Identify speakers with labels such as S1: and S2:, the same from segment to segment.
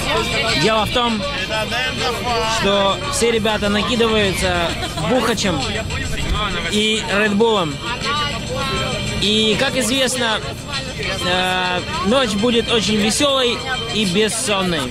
S1: Дело в том, что все ребята накидываются бухачем и редбулом. И, как известно, ночь будет очень веселой и бессонной.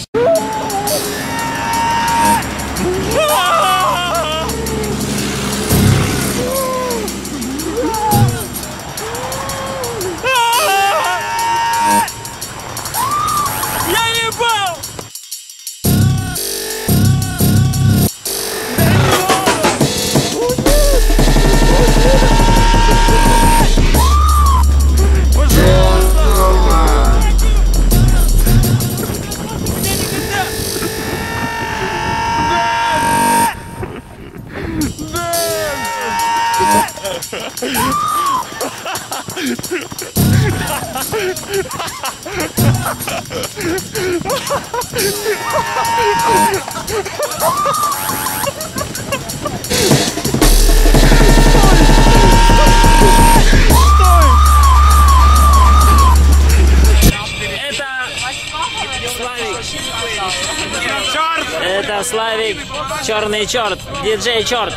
S1: Это Славик, черный черт, диджей черт.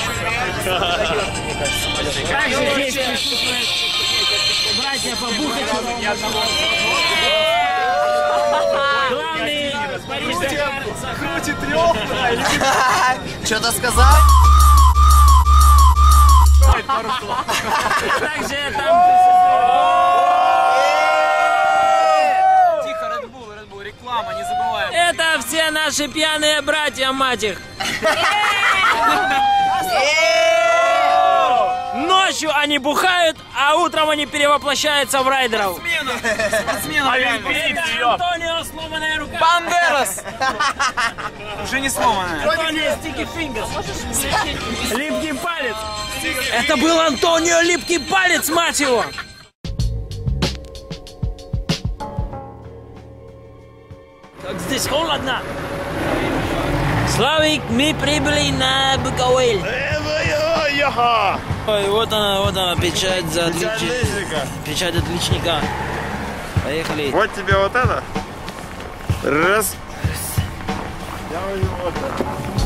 S1: Также здесь присутствуют братья по бухачу. Главный парижский крутит рёбра.
S2: Что-то сказал?
S1: Также там присутствует...
S3: Тихо, Red Bull, реклама, не забываем.
S1: Это все наши пьяные братья, мать их. Ночью они бухают, а утром они перевоплощаются в райдеров.
S3: Спортсменов реально.
S1: Это Антонио сломанная рука.
S3: Бандерас! Уже не сломанная.
S1: Антонио Стики Фингерс. Липкий палец. Это был Антонио Липкий палец, мать его. Как здесь холодно. Славик, мы прибыли на Буковель. Ой, вот она, печать за отличника. Печать отличника. Поехали.
S4: Вот тебе вот это. Раз. Я возьму вот это.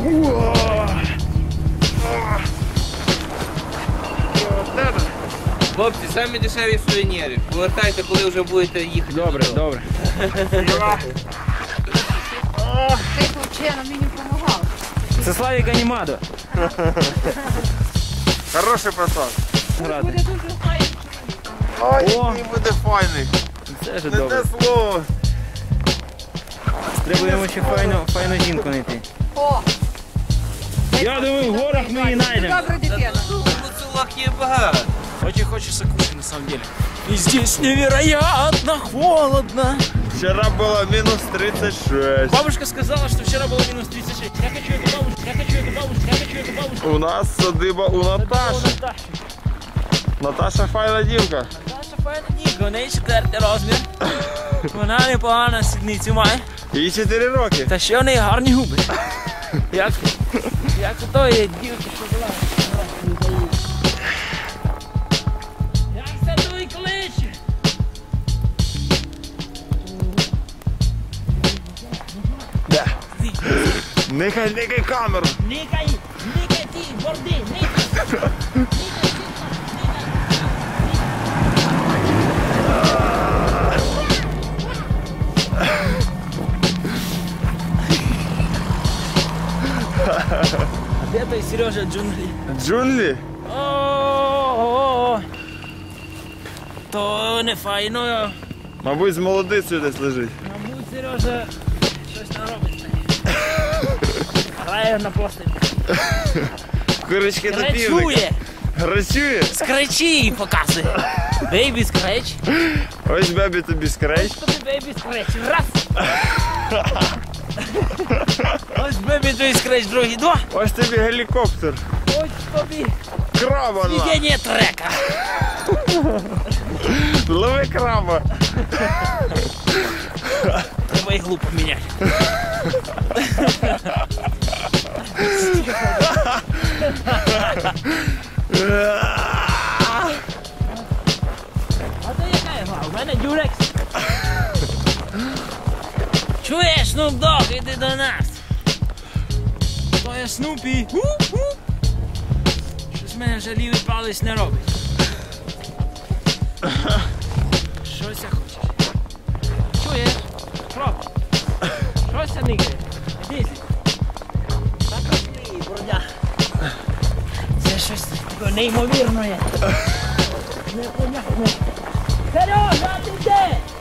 S4: Вот это.
S3: Хлопці, самі дешеві сувеніри. Повертайте, коли вже будете їхати.
S1: Добре, добре.
S5: Ти взагалі мені не допомагав.
S1: Це Славік Анімадо.
S4: Хороший пацан.
S1: Грати.
S4: Ой,
S1: О.
S4: який буде файний.
S1: Це ж
S4: Не
S1: добре.
S4: те слово.
S1: Треба йому ще файну жінку знайти.
S5: О,
S1: Я думаю, в горах ми її знайдемо.
S5: добра дитина.
S3: Поцілок є багато.
S1: Очень хочется кушать на самом деле. И здесь невероятно холодно.
S4: Вчора було мінус 36.
S1: Бабушка сказала, что вчера было минус 36. Я хочу эту бабушку, я хочу эту бабушку, я хочу эту бабушку.
S4: У нас садиба у Наташі. Наташа файна дівка.
S1: Наша файна дівка, у неї 4-й розмір. Вона непогана сідницю має.
S4: Їй 4 роки.
S1: Та ще в неї гарні губи. Як у тої дівки, що була. Як це той кличе?
S4: Да. Нехай камеру.
S1: Никай ти, борди, никай. А где той Сережа джунгли?
S4: Джунглі?
S1: О, то не файно.
S4: Мабуть, з молодицею десь лежить.
S1: Мабуть, Сережа щось не робить. Грає на постелі.
S4: Курочки до півника.
S1: Грачує.
S4: Грачує?
S1: Скречі показує. Бейбі скреч.
S4: Ось бебі тобі скреч.
S1: Ось тобі бейбі скреч. Раз. Ось бебі тобі скреч, другий. Два.
S4: Ось тобі гелікоптер.
S1: Ось тобі
S4: Краба на.
S1: сведення трека.
S4: Лови краба.
S1: Треба іглу поміняти. А то яка ігла? У мене дюрекс. Чуєш, Snoop Dogg, іди до нас. То є Снупі. Щось мене вже лівий палець не робить. Щось я хочеш? Чуєш? Хлоп. Щось я нігає. Іди. Так розлій, бродя. Це щось таке неймовірне. Непонятне. Сережа, ти де?